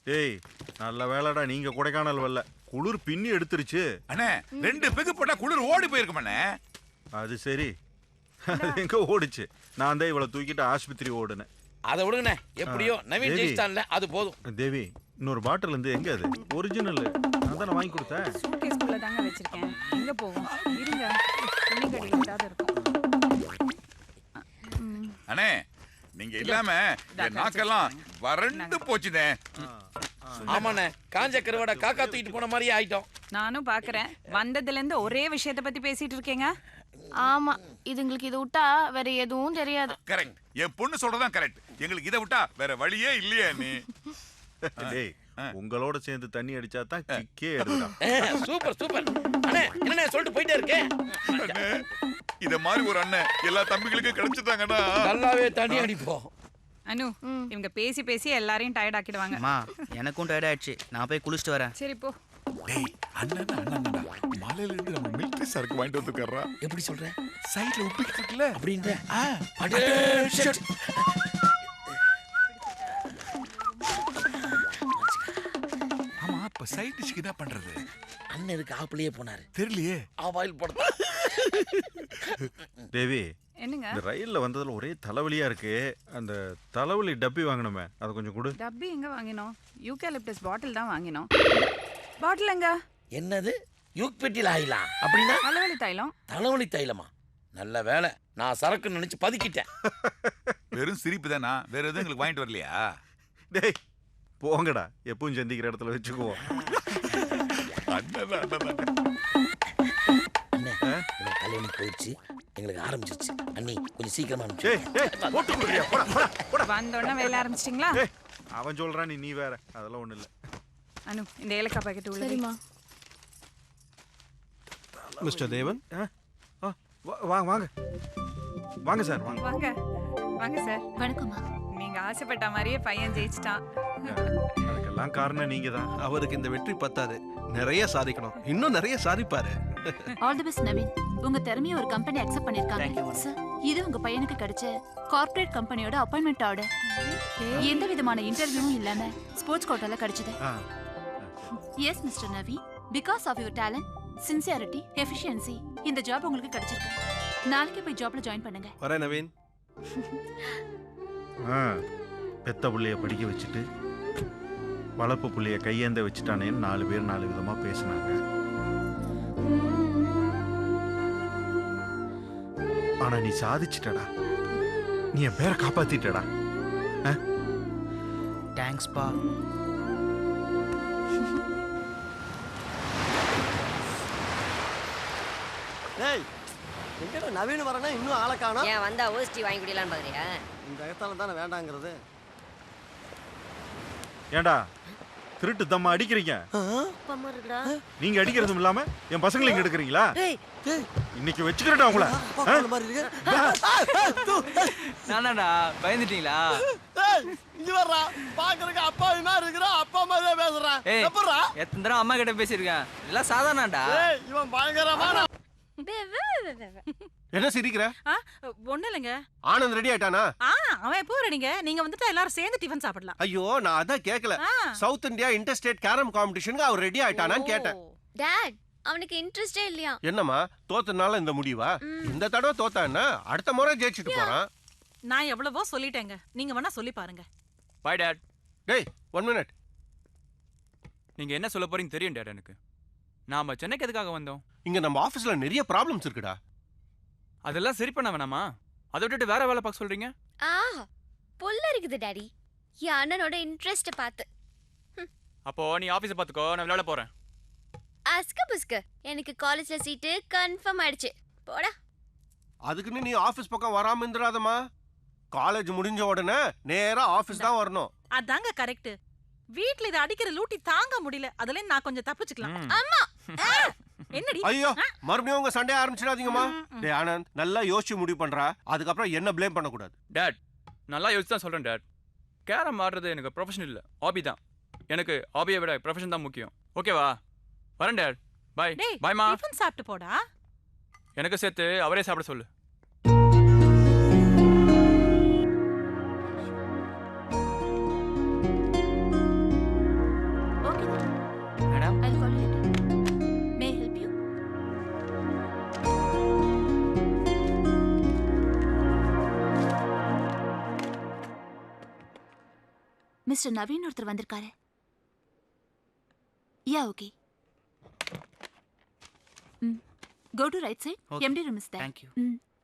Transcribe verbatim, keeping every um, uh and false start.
டேய் நல்ல வேலைடா நீங்க கொடைக்கானல் வரல. குளிர் பின்னி எடுத்துருச்சு. அண்ணே ரெண்டு பெகு போட்டா குளிர் ஓடி போயிருக்கும் அண்ணே. அது சரி. அது எங்க ஓடுச்சு? நான் தான் இவளை தூக்கிட்டு ஆஸ்பத்திரி ஓடுனேன். அதை விடுங்கண்ணே, எப்படியோ நவீன் ஜெயிச்சிட்டான்ல, அது போதும். தேவி இன்னொரு பாட்டில் இருந்து எங்க அது? ஒரிஜினல் நான் தானே வாங்கி கொடுத்தேன். சூட்கேஸ்க்குள்ள தாங்க வச்சிருக்கேன். எங்க போகும்? இருங்க, துணி கடையில ஏதாவது இருக்கும். அண்ணே நீங்க இல்லாம என் நாக்கெல்லாம் வறண்டு போச்சுனே. ஆமாண்ணே, காஞ்ச கருவாடை காக்கா தூக்கிட்டு போன மாதிரியே ஆயிட்டோம். நானும் பாக்குறேன். வந்ததுல இருந்து ஒரே விஷயத்தை பத்தி பேசிட்டு இருக்கீங்க. ஆமா, இதுங்களுக்கு இதை விட்டா வேற எதுவும் தெரியாது. கரெக்ட், என் பொண்ணு சொல்றதான் கரெக்ட். எங்களுக்கு இதை விட்டா வேற வழியே இல்லையா நீ? டேய் உங்களோட சேர்ந்து தண்ணி அடிச்சா தான் கிக்கே எடுடா. சூப்பர் சூப்பர் அண்ணே, என்னண்ணே சொல்லிட்டு போயிட்டே இருக்கேன். இத மாதிரி ஒரு அண்ணன் எல்லா தம்பிகளுக்கும் கிடைச்சிட்டாங்கடா. நல்லாவே தண்ணி அடிப்போம். அனு, இவங்க பேசி பேசி எல்லாரையும் டயர்ட் ஆக்கிடுவாங்க. அம்மா எனக்கும் டயர்ட் ஆயிடுச்சு, நான் போய் குளிச்சுட்டு வரேன். சரி போ. டேய் அண்ணன் அண்ணன்டா, மலையில இருந்து நம்ம மிலிட்டரி சரக்கு வாங்கிட்டு வந்துக்கறா. எப்படி சொல்ற? சைடுல உப்பிட்டு இருக்குல அப்படின்ற. அடே ஷட். ஆமா, அப்ப சைடு டிஷ்க்கு என்ன பண்றது? அண்ணன் இதுக்கு ஆப்பிளே போனாரு. தெரியலையே. ஆவாயில் போட. தேவி என்னங்க? இந்த ரயில்ல வந்ததுல ஒரே தலைவலியா இருக்கு. அந்த தலைவலி டப்பி வாங்கணுமே, அதை கொஞ்சம் கொடு. டப்பி எங்க வாங்கினோம்? யூகாலிப்டஸ் பாட்டில் தான் வாங்கினோம். பாட்டில் எங்க? என்னது யூக் பெட்டியில் ஆயிலா? அப்படின்னா தலைவலி தைலம். தலைவலி தைலமா? நல்ல வேலை, நான் சரக்கு நினைச்சு பதுக்கிட்டேன். வெறும் சிரிப்பு தானா? வேற எதுவும் எங்களுக்கு வாங்கிட்டு வரலையா? டேய் போங்கடா, எப்பவும் சந்திக்கிற இடத்துல வச்சுக்குவோம். அண்ணே கல்யாணம் போயிடுச்சு, எங்களுக்கு ஆரம்பிச்சிருச்சு. அண்ணி கொஞ்சம் சீக்கிரமா வந்தோடனே வேலை ஆரம்பிச்சிட்டீங்களா? அவன் சொல்றான், நீ நீ வேற. அதெல்லாம் ஒண்ணு இல்ல. அனு, இந்த ஏலக்காய் பாக்கெட் உள்ள. சரிம்மா. மிஸ்டர் தேவன், வாங்க வாங்க வாங்க சார் வாங்க வாங்க வாங்க சார். வணக்கம்மா. நீங்க ஆசைப்பட்ட மாதிரியே பையன் ஜெயிச்சிட்டான். அதுக்கெல்லாம் காரணம் நீங்க தான். அவருக்கு இந்த வெற்றி பத்தாது, நிறைய சாதிக்கணும், இன்னும் நிறைய சாதிப்பாரு. All the best Naveen. உங்க திறமையை ஒரு கம்பெனி அக்செப்ட் பண்ணிருக்காங்க சார். இது உங்க பையனுக்கு கிடைச்ச கார்ப்பரேட் கம்பெனியோட அப்பாயின்மெண்ட் ஆர்டர். எந்த விதமான இன்டர்வியூவும் இல்லாம ஸ்போர்ட்ஸ் கோட்டால கிடைச்சது. Yes mister Naveen, because of your talent, sincerity, efficiency இந்த ஜாப் உங்களுக்கு கிடைச்சிருக்கு. நாளைக்கு போய் ஜாப்ல ஜாயின் பண்ணுங்க. வரேன் நவீன். பெத்த புள்ளைய படிக்க வச்சுட்டு வளர்ப்பு புள்ளைய கையேந்த வச்சுட்டானேன்னு நாலு பேர் நாலு விதமா பேசினாங்க. ஆனா நீ சாதிச்சிட்டடா. நீ என் பேரை காப்பாத்திட்டடா. தேங்க்ஸ் பா. டேய் எங்கடா நவீன் வரனா இன்னும் ஆளை காணோம். ஏன் வந்தா ஓஸ்டி வாங்கி குடிக்கலாம் பாக்குறியா? இந்த இடத்துல தானே வேண்டாங்கிறது. ஏண்டா திருட்டு தம்மா அடிக்கிறீங்க? பம்மா இருக்குடா. நீங்க அடிக்கிறதும் இல்லாம என் பசங்களை இங்க எடுக்கிறீங்களா? டேய் டேய் இன்னைக்கு வச்சுக்கிறேன்டா உங்களை. பாக்கற மாதிரி இருக்கு. நானாடா பயந்துட்டீங்களா? டேய் இங்க வரடா. பாக்குறதுக்கு அப்பா மாதிரி இருக்குடா, அப்பா மாதிரியே பேசுறான். எப்பறா? எத்தனை தடவை அம்மா கிட்ட பேசியிருக்கேன், இதெல்லாம் சாதாரணடா. டேய் இவன் பயங்கரமான. என்ன சிரிக்கிற? ஒண்ணு இல்லைங்க. ஆனந்த் ரெடி ஆயிட்டானா? அவன் எப்போ ரெடிங்க? நீங்க வந்துட்டு எல்லாரும் சேர்ந்து டிஃபன் சாப்பிடலாம். ஐயோ நான் அதான் கேட்கல. South India inter state carrom காம்படிஷனுக்கு அவர் ரெடி ஆயிட்டானான்னு கேட்டேன். டாட், அவனுக்கு இன்ட்ரெஸ்டே இல்லையா? என்னம்மா தோத்தனால இந்த முடிவா? இந்த தடவை தோத்தான்னா அடுத்த முறை ஜெயிச்சுட்டு போறான். நான் எவ்வளவோ சொல்லிட்டேங்க, நீங்க வேணா சொல்லி பாருங்க. Bye dad. டேய் ஒன் மினிட். நீங்க என்ன சொல்ல போறீங்க தெரியும் டாட் எனக்கு. நாம சென்னைக்கு எதுக்காக வந்தோம்? இங்க நம்ம ஆபீஸ்ல நிறைய ப்ராப்ளம்ஸ் இருக்குடா. அதெல்லாம் சரி பண்ண வேணாமா? அதை விட்டுட்டு வேற வேலை பார்க்க சொல்றீங்க? ஆ புல்ல இருக்குது டாடி, என் அண்ணனோட இன்ட்ரெஸ்ட் பார்த்து. அப்போ நீ ஆபீஸை பார்த்துக்கோ, நான் விளையாட போறேன். அஸ்க புஸ்க, எனக்கு காலேஜ்ல சீட்டு கன்ஃபார்ம் ஆயிடுச்சு. போடா. அதுக்குன்னு நீ ஆபீஸ் பக்கம் வராம இருந்துடாதம்மா. காலேஜ் முடிஞ்ச உடனே நேரா ஆபீஸ் தான் வரணும். அதாங்க கரெக்ட். வீட்ல இத அடிக்கிற லூட்டி தாங்க முடியல, அதுல நான் கொஞ்சம் தப்பிச்சுக்கலாம். அம்மா என்னடி? ஐயோ மறுபடியும் உங்க சண்டே ஆரம்பிச்சிடாதீங்கம்மா. டேய் ஆனந்த் நல்லா யோசிச்சு முடிவு பண்றா, அதுக்கப்புறம் என்ன ப்ளேம் பண்ண கூடாது. டாட் நல்லா யோசிச்சு தான் சொல்றேன் டாட். கேரம் ஆடுறது எனக்கு ப்ரொஃபஷன் இல்லை, ஹாபி தான். எனக்கு ஹாபியை விட ப்ரொஃபஷன் தான் முக்கியம். ஓகேவா? வரேன் டாட். பை. பாய்மா. டிஃபன் சாப்பிட்டு போடா. எனக்கு சேர்த்து அவரே சாப்பிட சொல்லு. மிஸ்டர் நவீன் ஒருத்தர் வந்திருக்காரு. Yeah okay. Hmm go to right side. Okay. MD room is there. Thank you. ம்